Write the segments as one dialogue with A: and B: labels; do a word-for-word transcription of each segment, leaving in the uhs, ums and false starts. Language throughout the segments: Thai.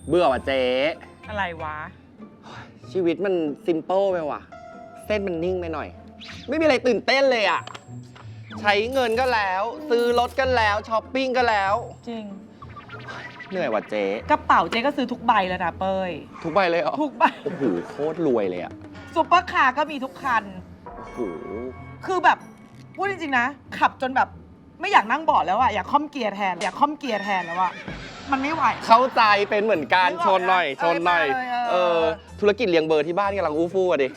A: เบื่อว่ะเจ๊
B: อะไรวะ
A: ชีวิตมันซิมเปิลไปว่ะเส้นมันนิ่งไปหน่อย ไม่มีอะไรตื่นเต้นเลยอ่ะใช้เงินก็แล้วซื้อรถก็แล้วช้อปปิ้งก็แล้ว
B: จริง
A: เหนื่อยว่ะเจ๊
B: กระเป๋าเจ๊ก็ซื้อทุกใบแล้วนะเป้ย
A: ทุกใบเลยเหรอ
B: ทุกใบ
A: โอ้โหโคตรรวยเลยอ่ะ
B: ซุปเปอร์คาร์ก็มีทุกคัน
A: โอ้โห
B: คือแบบพูดจริงๆนะขับจนแบบไม่อยากนั่งเบาะแล้วอะอยากค่อมเกียร์แทนอยากค่อมเกียร์แทนแล้วอะมันไม่ไหว
A: เข้าใจเป็นเหมือนกันชนหน่อยชนหน่อยเออธุรกิจเลี้ยงเบอร์ที่บ้านกำลังอู้ฟู่อะดิ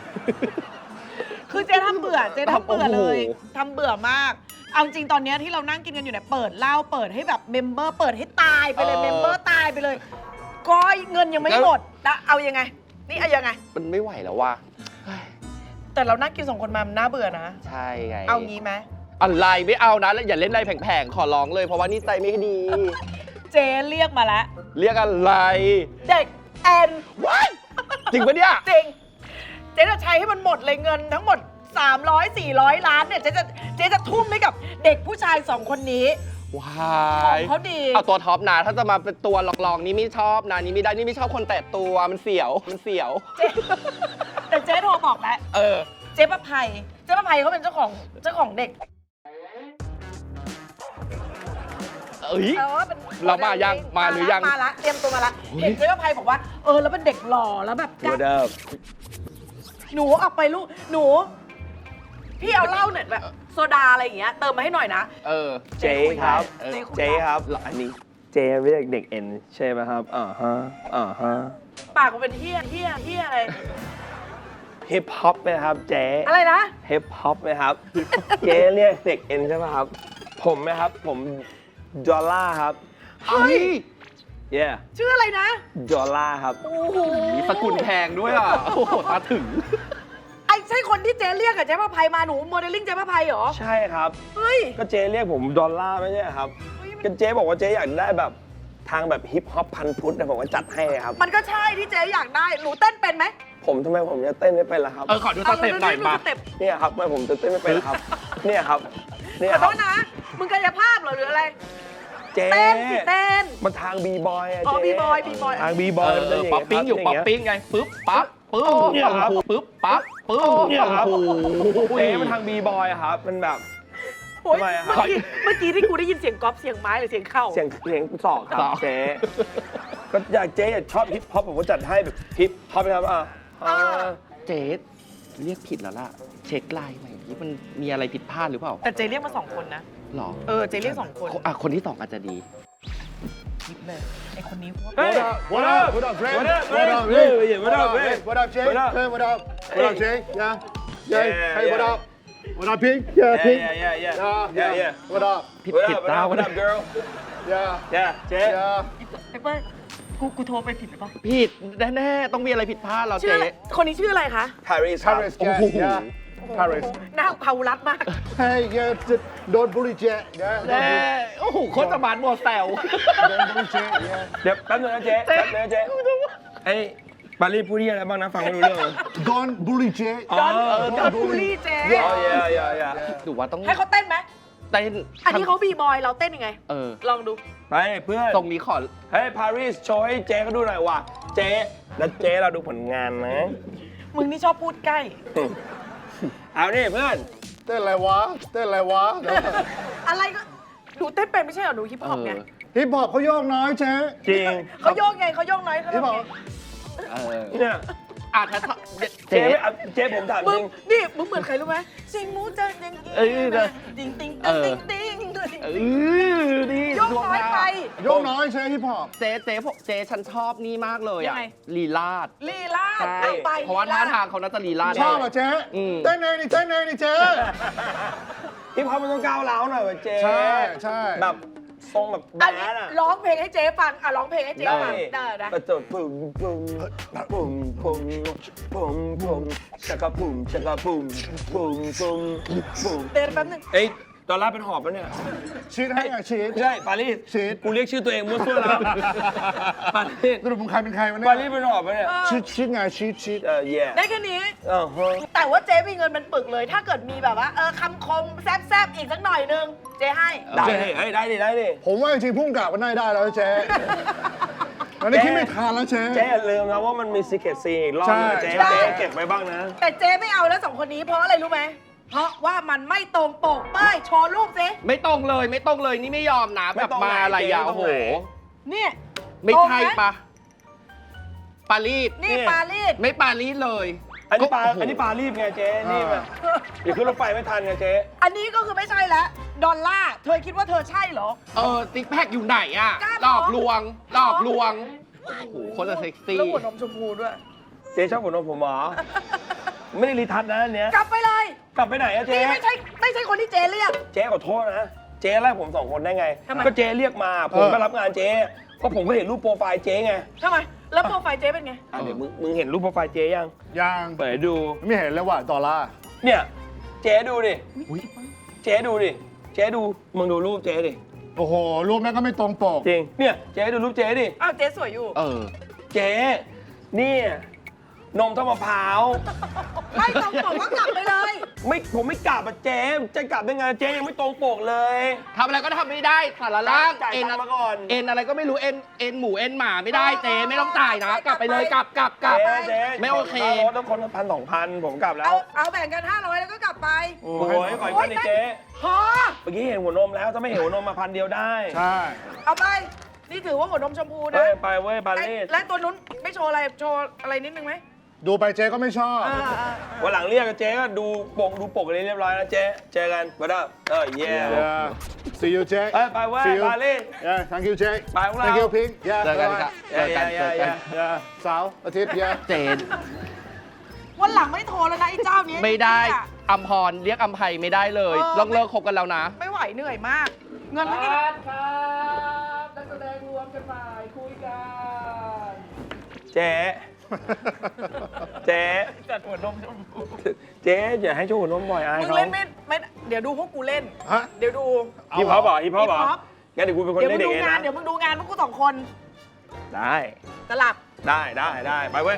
B: คือเจ๊ทำเบื่อเจ๊ทำเบื่อเลยทำเบื่อมากเอาจริงตอนนี้ที่เรานั่งกินกันอยู่เนี่ยเปิดเหล้าเปิดให้แบบเมมเบอร์เปิดให้ตายไปเลยเมมเบอร์ตายไปเลยก็เงินยังไม่หมดแล้วเอายังไงนี่เอายังไง
A: มันไม่ไหวแล้วว่ะ
B: แต่เรานั่งกินสองคนมามันน่าเบื่อนะ
A: ใช่ไง
B: เอางี้ไหม
A: อะไรไม่เอานะอย่าเล่นอะไรแผงๆขอร้องเลยเพราะว่านี่ใจไม่ดี
B: เจ๊เรียกมาแล้ว
A: เรียกอะไร
B: เด็กแอน
A: ว้ายจริงปะเนี่ย
B: จริงเจ๊จะใช้ให้มันหมดเลยเงินทั้งหมดสามร้อย สี่ร้อยล้านเนี่ยเจ๊จะเจ๊จะทุ่มให้กับเด็กผู้ชายสองคนนี้
A: ว้าย
B: เขาดี
A: เอาตัวท็อปนะถ้าจะมาเป็นตัวลองๆนี่ไม่ชอบนะนี่ไม่ได้นี่ไม่ชอบคนแตะตัวมันเสียวมันเสียว
B: แต่เจ๊โทรบอกแล้ว
A: เออ
B: เจ๊ประภัยเจ๊ประภัยเขาเป็นเจ้าของเจ้าของเด็ก
A: เอ้ยเรามายังมาหรือยัง
B: มาละเตรียมตัวมาละเห็นเจ๊ประภัยบอกว่าเออแล้วเป็นเด็กหล่อแล้วแบบหนูออกไปลูกหนูพี่เอาเหล้าเนี่ยแบบโซดาอะไรอย่างเงี้ยเติมมาให้หน่อยนะ
A: เออ
C: เจ๊ครับเจ๊ครับ
A: อันนี้
C: เจ๊ไม่ใช่เด็กเอ็นใช่ไหมครับอ่าฮะอ่าฮะ
B: ปากกูเป็นเฮี้ยเฮี้ยเฮี้ยอะไร
C: ฮิปฮอปไหมครับเจ๊
B: อะไรนะ
C: ฮิปฮอปไหมครับเจ๊เรียกเด็กเอ็นใช่ไหมครับผมไหมครับผมดอลล่าครับ
B: เฮ้ย
C: เย่
B: ชื่ออะไรนะ
C: ดอลล่าครับ
B: โอ้โห
A: สกุลแพงด้วยอ่ะโอ้โหตาถึง
B: ไอ้ใช่คนที่เจ๊เรียกกับเจ๊ประภัยมาหนูโมเดลลิ่งเจ๊ประภัยเหรอ
C: ใช่ครับ
B: เฮ้ย
C: ก็เจ๊เรียกผมดอลล่าไม่ใช่ครับก็เจ๊บอกว่าเจ๊อยากได้แบบทางแบบฮิปฮอปพันพุทธแต่ผมก็จัดให้ครับ
B: มันก็ใช่ที่เจ๊อยากได้หนูเต้นเป็นไหม
C: ผมทำไมผมจะเต้นไม่เป็นล่ะครับ
A: เออขอดูสเต็ปหน่อยมา
C: เนี่ยครับทำไมผมจะเต้นไม่เป็นล่ะครับเนี่ยครับเนี่ย
B: ขอโทษนะมึงกายภาพเหรอหรืออะไร
C: เจ๊
B: เต้นสิเต้น
C: มันทางบีบอยอะ
B: เจ๊อ๋อบีบอยบีบอย
C: ทางบีบอยมันจะ
A: ป๊อปปิ้งอยู่ป๊อปปิ้งไงปึ๊บปั๊บปึ๊บเนี่ยครับปึ๊บปั๊บปึ๊บ
C: เนี่ยครับเจ๊มันทางบีบอยครับมันแบบ
B: ทำไมอะครับเมื่อกี้ที่กูได้ยินเสียงก๊อปเสียงไม้หรือเสียงเข่า
C: เสียงเสียงศอกครับเจ๊ก็อยากเจ๊อยากชอบฮิปฮอปผมก็จัดให้แบบฮิปฮอปนะครับอ่ะ
A: เจ๊เรียกผิดแล้วล่ะเช็คไลน์ใหม่ที่มันมีอะไรผิดพลาดหรือเปล่า
B: แต่เจ๊เรียกมาสองคนนะ
A: หรอ
B: เออเจ๊เรียกสองคน
A: อ่ะคนที่สองอาจจะดี
B: คิดเลยไอคนนี้
D: What up What up What up What up What up What up What up Jay What up What up Jay Yeah Jay Hey What up What up Pink Yeah Pink
C: Yeah yeah yeah
D: Yeah yeah What up
A: ผิดผิดตา
C: What up girl
D: Yeah
C: Yeah Jay
D: Yeah
B: ไอ้เปิ้ลกูกูโทรไปผิดหรือเปล่า
A: ผิดแน่ๆต้องมีอะไรผิดพลาดเราเจ๊
B: คนนี้ชื่ออะไรคะ
C: Paris
D: Paris Yeah Paris
B: หน้าเผารัดมาก
D: Hey yeah Don't bully Jay
A: แน่โอ้โหโคตรสมานโมแซว
D: Don't bully Jay Yeah
C: เดี๋ยวแป๊บนึงนะเจ๊แป๊บนึงนะเจ๊ไอ้ปารีสพูดอะไรบ้างนะฟังไม่รู้เรื่อง
D: Don't bully Jay
B: Don't bully Jay
C: อ๋อ yeah yeah yeah
A: ดูว่าต้อง
B: ให้เขาเต้นไหม
A: เต้น
B: อันนี้เขาบีบอยเราเต้นยังไงเออลองดู
C: ไปเพื่อน
A: ตรงนี้ขอ
C: เฮ้ยปารีสโชว์ให้เจ๊เขาดูหน่อยว่ะเจ๊แล้วเจ๊เราดูผลงานนะ
B: มึงนี่ชอบพูดใกล้
C: เอาดิเพื่อน
D: เต้นอะไรวะเต้นอะไรวะ
B: อะไรก็หนูเต้นเป็นไม่ใช่เหรอหนูฮิปฮอปไง
D: ฮิปฮอปเขาโยกน้อยเจ๊
C: จริง
B: เขาโยกไงเขาโยกน้อยเขา
D: ฮิปฮอป
C: เนี่ย
A: อาจจะ
C: เจ๊เจ๊ผมถามจริง
B: นี่มึงเหมือนใครรู้ไหมเสียงมูจะยังเออติงติงติงติง
A: เออดี
B: โยกน้อยไป
D: โยกน้อยใช่ฮิปฮอป
A: เจ๊เจ๊เจ๊ฉันชอบนี่มากเลยอ่ะลีลาด
B: ลีลาด
A: ไปเพราะว่าท่าทางเขาน่าจะลีลาด
D: ชอบอ่ะเจ๊เต้นเองนี่เต้นเองนี่เจ๊
C: ฮิปฮอปมันต้องก้าวร้าวหน่อยว่ะเจ๊
D: ใช่ใช่
C: แบบทรงแบบแบดอ่ะ
B: ร้องเพลงให้เจ๊ฟังอ่ะร้องเพลงให้เจ๊ฟังได้ได้
C: กระโดดปุ่มปุ่มปุ่มปุ่มปุ่มปุ่มชักกระปุ่มชักกระปุ่มปุ่มปุ่มปุ่ม
B: เต้นแป๊บนึง
C: เอ้ยดอลลาร์เป็นหอบแล้วเนี่ย
D: ชีดให้อ่ะชีด
C: ใช่ปารีส
D: ชีด
C: กูเรียกชื่อตัวเองมั่วซั่วแล้วปารีส
D: สรุปมึงใครเป็นใครวะเนี่ย
C: ปารีสเป็นหอบแล้วเนี่ย
D: ชีดชีดไงชีดชีด
C: เออแย่
B: ได้แค่นี้แต่ว่าเจ๊มีเงินเป็นปึกเลยถ้าเกิดมีแบบว่าเออคำคมแซบๆอีกสักหน่อยนึงเจ๊ให้
C: ได้เฮ้ยได้ดิได้ดิ
D: ผมว่าจริงๆพุ่งกลับมันได้ได้แล้วเจ๊อันนี้คิดไม่ทันแล้วเชฟ
C: เจ๊อย่าลืมนะว่ามันมีซีเคทซีอีกรอบนึง
D: ใช่
C: เจ๊
B: ใช่
C: เจ๊เก็บไว้บ้างนะ
B: แต่เจ๊ไม่เอาแล้วสองคนนี้เพราะอะไรรู้ไหมเพราะว่ามันไม่ตรงปกเป้ยโชว์รูปสิ
A: ไม่ตรงเลยไม่ตรงเลยนี่ไม่ยอมนะ
C: ไม่
A: แบบ
C: ตรง
A: มา
C: ไหน
A: อะไรอ่ะ
C: เจ๊
A: โอ้โห
C: ตรงไหน
B: เนี่ย
A: ไม่ใช่
B: ตรงห
A: ปะปารีส
B: นี่ปารีส
A: ไม่ปารีสเลย
C: อันนี้ปลา
A: ก็โโห
C: อันนี้ปลารีบไงเจ๊รีบอะเดี๋ยวขึ้นรถไฟไม่ทันไงเจ๊
B: อันนี้ก็คือไม่ใช่แล้วดอลล่าร์เธอคิดว่าเธอใช่เหรอ
A: เออติ๊กแพคอยู่ไหนอ่ะ
B: กล้า
A: หลอก
B: เหรอ
A: ลวงหลอกลวงโอ้โหคนละเซ็กซี่
B: แล้วหัวนมชมพูด้วย
C: เจ๊ชอบหัวนมผมเหรอ ไม่ได้รีทัชนะอันเนี้ย
B: กลับไปเลย
C: กลับไปไหนอะเจ๊
B: นี่ไม่ใช่ไม่ใช่คนที่เจ๊เรียก
C: เจ๊ขอโทษนะ เจ๊ไล่ผมสองคนได้ไง
B: ทำไม
C: ก็เจ๊เรียกมา ผม
D: เออ
C: ก็รับงานเจ๊เพราะผมก็เห็นรูปโปรไฟล์เจ๊ไง
B: ทำไม แล้วโปรไฟล์เจ๊เป็นไง
C: อ่ะเดี๋ยวมึงมึงเห็นรูปโปรไฟล์เจ๊ยัง
D: ยัง
C: เปิดให้ดู
D: ไม่เห็นเลยว่ะดอลลาร์
C: เนี่ย เจ๊ดูดิ
D: อุ๊ย
C: เจ๊ดูดิ เจ๊ดู มึงดูรูปเจ๊ดิ
D: โอ้โห รูปนั้นก็ไม่ตรงปก
C: จริง เนี่ย เจ๊ดูรูปเจ๊ดิ
B: อ้าวเจ๊สวยอยู่
A: เออ
C: เจ๊เนี่ยนมเท่ามะพร้าว
B: ไม่ตรงปกก็กลับไปเลย
C: ไม่ผมไม่กลับอะเจ๊จะกลับได้ไงเจ๊ยังไม่ตรงปกเลย
A: ทำอะไรก็ทำไม่ได้สารล่าง
C: จ่าย
A: เอ็น
C: ตังค์มาก่อน
A: เอ็นอะไรก็ไม่รู้เอ็นเอ็นหมูเอ็นหมาไม่ได้
B: เออ
A: เจ๊ไม่ต้องจ่ายนะ
B: เออก
A: ลับไปเลย
B: ก
A: ก
B: ลั
A: ลั
B: บบ ไป
A: กลับกลับ
C: เจ๊เจ๊
A: ไม่โอเค
C: ค่ารถต้องคนละพันสองพันผมกลับแล้
B: เอา
C: ว
B: เอาแบ่งกันห้าร้อยแล้วก็กลับไป
C: โอ้ยขออีกคนดิเจ๊
B: พอ
C: เมื่อกี้เห็นหัวนมแล้วถ้าไม่เห็นหัวนมมาพันเดียวได้
D: ใช่
B: เอาไป นี่ถือว่าหัวนมชมพูนะ
C: เฮ้ยไปเว้ยปา
B: และ
C: รีส
B: และตัวนู้นไม่โชว์อะไร โชว์อะไรนิดนึงไหม
D: ดูไปเจ๊ก็ไม่ชอบ
B: อ่าอ่า
C: วันหลังเรียกกับเจ๊ก็ดูปกดูปกอะไรเรียบร้อยนะเจ๊เจอกันบ๊ายบายเออเย่
D: Yeah. See you, Jake.
C: เอ้ยไปเว้ย
D: See you.
C: ปารีส
D: Yeah, thank you, Jake.
C: ไปพวกเรา
D: Thank you, Pink. Yeah.
A: เจอกันครับ
C: เจอกันเจอกัน
D: Yeah. เสาร์อาทิตย์ yeah.
A: เจน
B: วันหลังไม่โทรแล้วนะไอ้เจ้านี้
A: ไม่ได้
B: จริงๆอะ
A: อัมพรเรียกอัมไพไม่ได้เลย
B: เออ
A: ต้องเลิกคบกันแล้วนะ
B: ไม่ไหวเหนื่อยมาก เงินไม่ได้
A: ครับนักแสดงรวมกันไปคุยกัน
C: เจ๊เจ๊
B: จัดหัวนมชมพู
C: เจ๊อย่าให้โชว์หัวนมบ่อยอาย
B: มึง
C: เขา
B: เล่นไม่ไม่เดี๋ยวดูพวกกูเล่น
D: ฮะ
B: เดี๋ยวดู
C: ฮิปฮอปเหรอฮิปฮอปเหรอ
B: ฮิปฮอป
C: งั้นเดี๋ยวกูเป็นคน
B: เดี๋ยวมึ
C: เล่น
B: ง
C: เด็
B: ดู
C: กเอง
B: งาน
C: นะ
B: เดี๋ยวมึงดูงานพวกกูสองคน
C: ได้
B: สลับ
C: ได้ได้ได้ไปเว้ย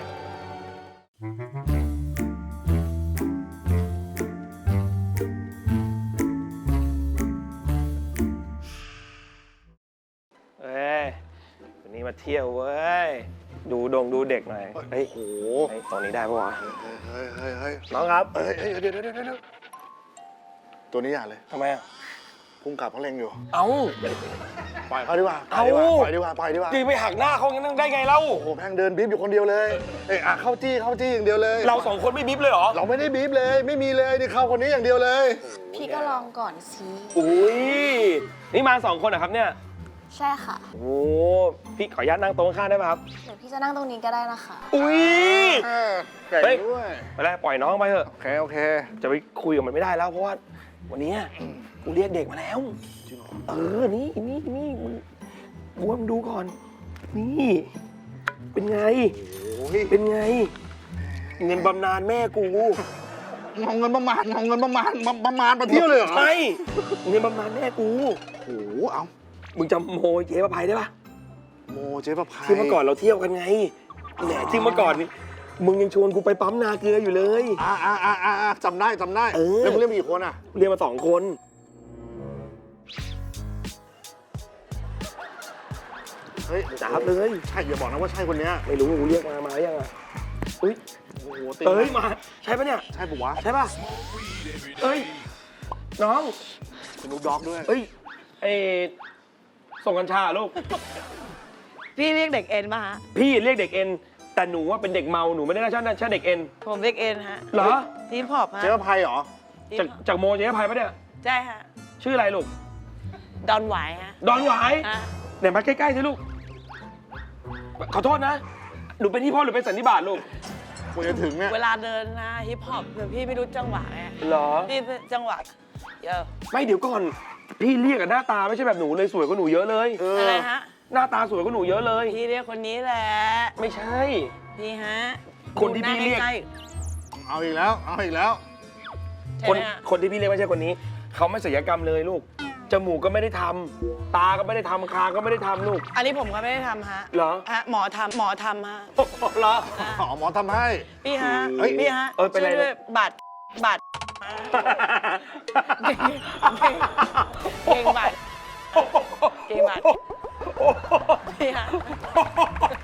C: เอ้ยวันนี้มาเที่ยวเว้ย ดูดงดูเด็กหน่อย เฮ้ย
D: โอ้โห
C: เฮ้ยตรงนี้ได้ปะวะ
D: เฮ้ยเฮ้ยเฮ้ย
C: น้องครับ
D: เฮ้ยเฮ้ยเดี๋ยวเดี๋ยวเดี๋ยวเดี๋ยวตัวนี้อย่าเลย
C: ทำไมอ่ะ
D: พุ่งกลับเขาเล็งอยู่
C: เอ้า
D: ปล่อยเขาดีกว่า
C: เอ้า
D: ปล่อยดีกว่า ปล่อยดีกว่า
C: จีไปหักหน้าเขางั้นได้ไงเล่า
D: โอ้โหแม่งเดินบีบอยู่คนเดียวเลย เอ้ยอ่ะเข้าจี้เข้าจี้อย่างเดียวเลย
C: เราสองคนไม่บิ๊บเลยเหรอ
D: เราไม่ได้บีบเลย ไม่มีเลยนี่เข้าคนนี้อย่างเดียวเลย
E: พี่ก็ลองก่อนสิ
C: อุ้ย นี่มาสองคนเหรอครับเนี่ย
E: ใช่ค่ะ
C: โอ้พี่ขออนุญาตนั่งโต๊ะข้างๆได้ไหมครับ
E: เดี๋ยวพี่จะนั่งตรงนี้ก็ได้นะคะ
C: อุ้ย
D: เออเก่ง
C: เฮ้ย
D: ด้วย
C: ไปแล้วปล่อยน้องไปเถอะ
D: โอเค โอเค
C: จะไปคุยกับมันไม่ได้แล้วเพราะว่าวันนี้กูเรียกเด็กมาแล้ว
D: จริงเหรอ
C: เออ นี่นี่นี่มึงกูว่ามึงดูก่อน นี่ เป็นไง
D: โอ้ย
C: เป็นไง เงินบำนาญแม่กู
D: เอาเงินประมาณเอาเงินประมาณมาประมาณมาเที่ยวเลยเหรอ
C: ใช่เงินบำนาญแม่กู
D: โอ้โหเอา
C: มึงจำโมเจ๊ประภัยได้ปะ
D: โมเจ๊ประภัย
C: ที่เมื่อก่อนเราเที่ยวกันไงแหมที่เมื่อก่อนนี่มึงยังชวนกูไปปั๊มนาเกลืออยู่เลย
D: อ่าอ่าอ่าอ่าจำได้จำได้
C: เออ
D: แล้วมึงเล่นมีกี่คนอ่ะ
C: เรียนมาสองคน
D: เฮ้ย
C: จับเลย
D: ใช่อย่าบอกนะว่าใช่คนเนี้ย
C: ไม่รู้กูเรียกมามาหรือยังอ่ะอุ้ย
D: โอ้โหติด
C: เอ้ยมาใช่ปะเนี่ย
D: ใช่ปะวะ
C: ใช่ปะเอ้ยน้อง
D: สนุกด็อกด้วย
C: เอ้ยเอส่งกัญชาลูก
F: พี่เรียกเด็กเอ็นมาฮะ
C: พี่เรียกเด็กเอ็นแต่หนูว่าเป็นเด็กเมาหนูไม่ได้น่าชอบน่าชอบเด็กเอ็น
F: ผมเรียกเอ็นฮะ
C: เหรอ
F: ทีมพอบฮะ
D: เจ๊ประภัยเหรอ
F: ทีม
C: จาก
F: พอบ
C: จากโมเจ๊ภัยปะเนี่ย
F: ใช่ฮะ
C: ชื่ออะไรลูก
F: ดอนหวายฮะ
C: ดอนหวาย
F: ฮะ
C: ไหนมาใกล้ๆสิลูกขอโทษนะหนูเป็นที่พ่อหรือเป็นสันนิบาตลูก
D: ควรจะถึงเนี่ย
F: เวลาเดินนะฮิปฮอปเผื่อพี่ไม่รู้จังหวะไง
C: เหรอ
F: พี่จังหวะเยอะ
C: ไม่เดี๋ยวก่อน พี่เรียกกับหน้าตาไม่ใช่แบบหนูเลยสวยกว่าหนูเยอะเลย
D: เอ
F: อะไร
D: อ
F: ฮะ
C: หน้าตาสวยกว่าหนูเยอะเลย
F: พี่เรียกคนนี้แหละ
C: ไม่ใช่
F: พี่ฮะ
C: คนที่พี่เรียก
F: ดูหน้าใล้
D: เอาอีกแล้ว เอาอีกแล้ว
F: ๆใช่
C: คน
F: ไหมฮะ
C: คนที่พี่เรียกไม่ใช่คนนี้ เขาไม่ศัลยกรรมเลยลูก จมูกก็ไม่ได้ทำตาก็ไม่ได้ทำคางก็ไม่ได้ทำลูก
F: อันนี้ผมก็ไม่ได้ทำฮะ
C: เหรอ
F: ฮะหมอทำหมอทำฮะ
C: เหรอ
D: อ๋อหมอทำให้
F: พี่ฮะ
D: เฮ้ย
F: พี่ฮะ
C: เออเป็นไร
F: ช่วยด้วยบัตรบัตรเก่งเก่งบัตรเก่งบัตรพี่ฮะ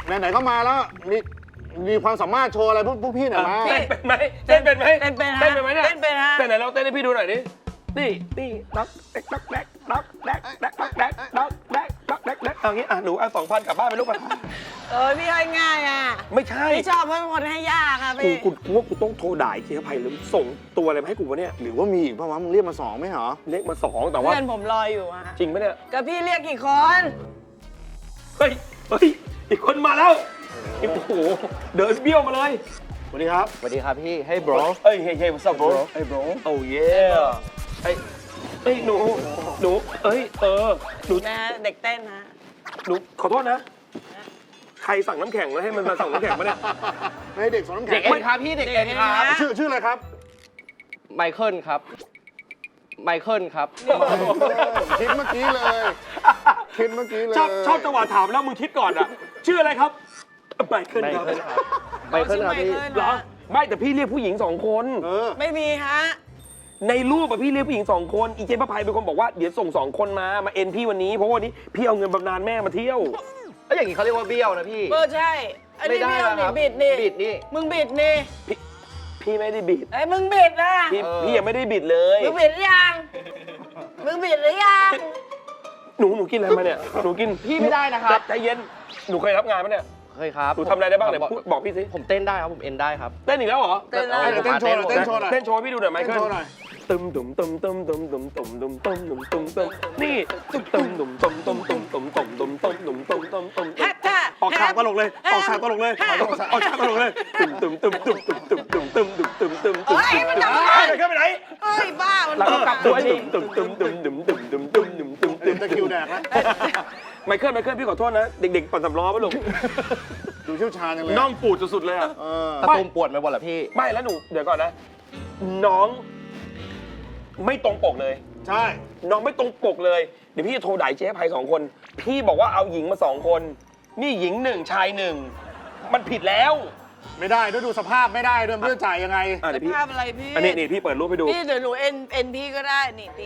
D: ไหนๆก็มาแล้วมีมีความสามารถโชว์อะไรพวกพวกพี่หน่อยมา
C: เต้นเป็นไหมเต้นเป็นไหม
F: เต้นเป็นฮะ
C: เต้นเป็นไหมเนี่ย
F: เต้นเป็นฮะ
C: เต้นไหนเราเต้นให้พี่ดูหน่อยดินี่นี่ด็อกแดกด็อกแดกด็อกแดกด็อกแดกด็อกแดกด็อกแดกด็อกแดกเอางี้อ่ะหนูเอาสองพันกลับบ้านไปลูกไป
F: เออพี่ให้ง่ายอ่ะ
C: ไม่ใช่
F: พี่ชอบเพราะเป็นคนให้ยากอ่ะ
C: กู
F: พี่
C: กูกูว่ากูต้องโทรด่าไอ้เจ๊ภัยหรือส่งตัวอะไรมาให้กูวะเนี่ย
D: หรือว่ามีอีกเพราะว่ามึงเรียกมาสองไม่เหรอ
C: เลขมาสองแต่ว่า
F: เพื่อนผมรออยู่อ่ะ
C: จริงปะเนี่ย
F: กับพี่เรียกกี่คน
C: เฮ้ยเฮ้ยอีกคนมาแล้วโอ้โหเดินเบี้ยวมาเลย
D: สวัสดีครับ
A: สวัสดีครับพี่ Hey bro
C: เอ้ยเฮ้ยเฮ้ย what's up bro
D: ไอ้โบร
C: โอ้เย่ไอ้เอ้ยหนูหนูเอ้ยเออหนู
F: นะเด็กเต้นฮะ
C: หนูขอโทษนะ ใครสั่งน้ำแข็งแล้วให้มันมาสั่งน้ำแข็งมาเนี่ย
D: ให้เด็กสอนน้ำ
A: เด็
D: แข็
A: ก
D: ง
A: เอ็นครับพี่เด็กเอ็นครับ
D: ชื่อชื่ออะไรครับ
A: ไมเคิลครับ ไมเคิลครับ
D: คิดเมื่อกี้เลย คิดเมื่อกี้เลย
C: ชอบชอบจังหวะถามแล้วมึงคิดก่อนอ่ะ ชื่ออะไรครับไมเคิล
A: ไม
C: ครับ
A: เคิลครับ ไมเคิลครับพี่
C: เหรอไม่แต่พี่เรียกผู้หญิงสองคน
D: เออ
F: ไม่มีฮะ
C: ในรูปอะพี่เรียกผู้หญิงสองคนอีเจพระภัยเป็นคนบอกว่าเดี๋ยวส่งสองคนมามาเอ็นพี่วันนี้เพราะว่าวันนี้พี่เอาเงินบำนาญแม่มาเที่ยว
A: แล้วอย่างนี้เขาเรียกว่าเบี้ยวนะพี่
F: เออใช่ อันนี้
A: ไม่ได้
F: พี่เอา
A: นะค
F: นี่
A: รับ
F: บิดนี่
A: บิดนี่
F: มึงบิดนี่
C: พี่พี่ไม่ได้บิด
F: ไอ้ยมึงบิดนะ
C: พี่
A: เออ
C: พี่ยังไม่ได้บิดเลย
F: มึงบิดหรือยัง มึงบิดหรือยัง
C: หนูหนูกินอะไรมาเนี่ยหนูกิน
A: พี่ไม่ได้นะครับ
C: ใจเย็นหนูเคยรับงานไหมเนี่ย
A: เคยครับ
C: หนูทำอะไรได้บ้างเนี่ย
A: ผม
C: พูดบอกพี่สิ
A: ผมเต้นได้ครับ ผมเอ็นได้ครับ
C: เต้นอีกแล้วเหรอ
F: เต้น
A: อา
F: แล้ว
D: เต้นโชว์หน่อยเต้นโชว์หน่อย
C: เต้นโชว์ให้พี่ดูหน่อยไหม
D: เต้นโชว์หน่อย
C: ตึมตุ่มตุ่มตุ่มตุ่มตุ่มตุ่มตุ่มตุ่มตุ่มตุ่มตุ่มตุ่มนี่ตึมตุ่มตุ่มตุ่มตุ่มตุ่มตุ่มตุ่มตุ่มตุ่มตุ่มตุ่มตุ่มตุ่ม
F: แฮะแฮะ
C: ออกฉากตลกเลยออกฉากตลกเลยออกฉากตลกเลยตึมตึมตึมตึมตึมตึมตึมตึมตึมตึมตึมตึม
F: เฮ้ยมันทำอะไร
C: ไปขึ้นไปไหน
F: เฮ้ยบ้า มัน
C: แล้วก็กลับตัวนี่ตึมตึมตึมตึมตึมตึมตึมตึมตึมตึม
D: ตะคริวแดกแล้ว
C: ไมเคิลไมเคิลพี่ขอโทษนะเด็กๆปั่นสำล้อป่ะลูก
D: ดูเชี่ยวชาญจังเลย
C: น้องปูดสุดๆเลยอ่ะ
D: เออ
A: ตะตุ่มปวดไปหมดเหรอพี่
C: ไม่แล้วหนูเดี๋ยวก่อนนะ น้องไม่ตรงปกเลย
D: ใช่
C: น้องไม่ตรงปกเลย เดี๋ยวพี่จะโทรด่าเจ๊ภัยสองคน พี่บอกว่าเอาหญิงมาสองคน นี่หญิงหนึ่งชายหนึ่ง มันผิดแล้ว
D: ไม่ได้ด้วยดูสภาพไม่ได้ด้วยไม่รู้จะจ่ายยังไง
C: อ่ะเดี๋ยวพี่
F: ภาพอะไรพี่
C: อันนี้นี่พี่เปิดรูปให้ดู
F: พี่เดี๋ยวหนูเอ็นเอ็นพี่ก็ได้ นี่พี่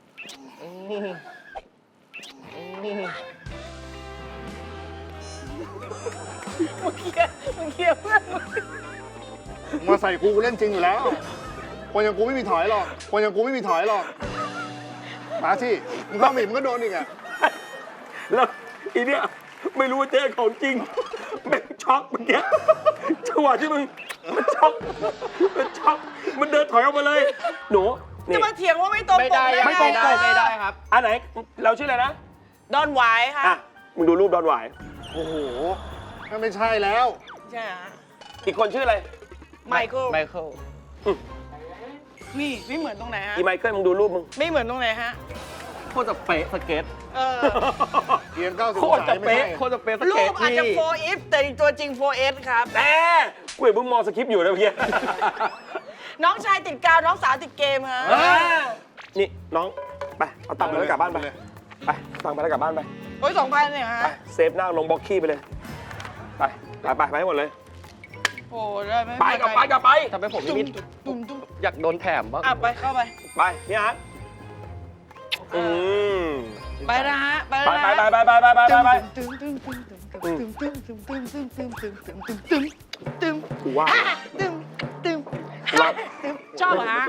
F: มึงเคลียร์มึงเคลียร์เพื่อนมึง
D: มาใส่กูกูเล่นจริงอยู่แล้ว คนอย่างกูไม่มีถอยหรอก คนอย่างกูไม่มีถอยหรอก มาสิมึงเข้ามาอีกมึงก็โดนอีกอ่ะ
C: แล้วอีเนี่ยไม่รู้ว่าเจ๊ของจริงแม่งช็อกเมื่อกี้จังหวะที่มึงมันช็อกมันช็อกมันเดินถอยออกมาเลย หนูนี่
F: จะมาเถียงว่าไม่ตรง
A: ไม่
F: ป
A: ได้
F: ก
A: ไม่
F: ได้
A: ได้ไม่ได้ครับ
C: อันไหนเราชื่ออะไรนะ
F: ดอนหวายค่ะ
C: อ่ะมึงดูรูปดอนหวาย
D: โอ้โหนั่นไม่ใช่แล้ว
F: ใช่ฮะ
C: อีกคนชื่ออะไร
F: ไมเคิล
A: ไมเคิล
F: นี่ไม่เหมือนตรงไหนฮะ
C: อีไมเคิลมึงดูรูปมึง
F: ไม่เหมือนตรงไหนฮะ
A: โคตรจะเป๊ะสเก็ต
F: เออ
D: เกียร์เก้าสิบ
C: โคตรจะเป๊ะ
A: โคตรจะเป๊ะส
F: รู
A: เก็ต
F: ปอาจจะ
A: พี่
F: โฟร์ if แต่ตัวจริง โฟร์ เอส ครับ
C: แต่กูเห็นมึงมองสคริปต์อยู่นะเมื่อกี้
F: น้องชายติดกาว น้องสาวติดเกมฮะ
C: อ่านี่น้องไปเอาตังค์ไปแล้วกลับบ้านไปไปตังค์ไปแล้วกลับบ้านไป
F: โอ้ยสองพันเนี่ยฮะ
C: ไปเซฟหน้าลงบล็อกขี้ไปเลยไปไปไปไปให้หมดเลย
F: โอ้ได้ไหม
C: ไปกลับไปกลับไป
A: ทำไมผมไม่มี
F: ตุ้มตุ้ม
A: อยากโดนแถมบ้าง
F: อ่ะไปเข้าไป
C: ไปนี่ฮะอืม
F: ไปนะฮะ ไป
C: ไป
F: นะ
C: ไป
F: ฮะ
C: ไปไปไปไปไปไป
F: ตึ้มตึ้มตึ้มตึ้มตึ้มตึ้มตึ้มตึ้มตึ้มตึ้มตึ้มตึ้มตึ้มตึ้มตึ้ม
C: กูว่า
F: ตึ้มตึ้ม
C: ว่า
F: ตึ้มชอบเหรอฮะ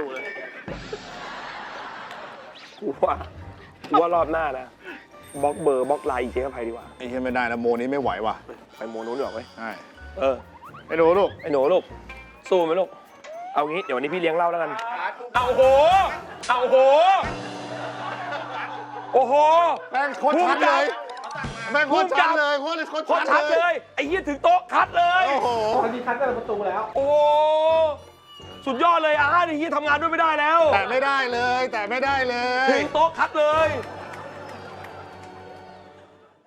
C: กูว่ากูว่ารอบหน้านะบล็อกเบอร์บล็อกไลน์อีกเจ๊กับใครดีกว่า
D: ไอ้เหี้ยไม่ได้นะโมนี้ไม่ไหวว่ะ
C: ไปโมนู้นดีกว่าไหม
D: ใช่
C: เออ
D: ไอ้หนูลูก
C: ไอ้หนูลูกสู้ไหมลูกเอางี้เดี๋ยววันนี้พี่เลี้ยงเหล้าแล้วกันเอาโหเอาโหโอ้โห
D: แม่งโคตรชัดเลยแม่งโคตรชัดเลยโคตรโคตร
C: โคตรชั
D: ชั
C: ด
D: ด
C: เล
D: เลย
C: ยไอ้เหี้ยถึงโต๊ะคัดเลย
D: โอ้โห
A: มันมีคัดกันประตูแล้ว
C: โอ้โหสุดยอดเลยอาร์ตไอ้เหี้ยทำงานด้วยไม่ได้แล้ว
D: แต่ไม่ได้เลย แต่ไม่ได้เลย
C: ถึงโต๊ะคัดเลย
D: โ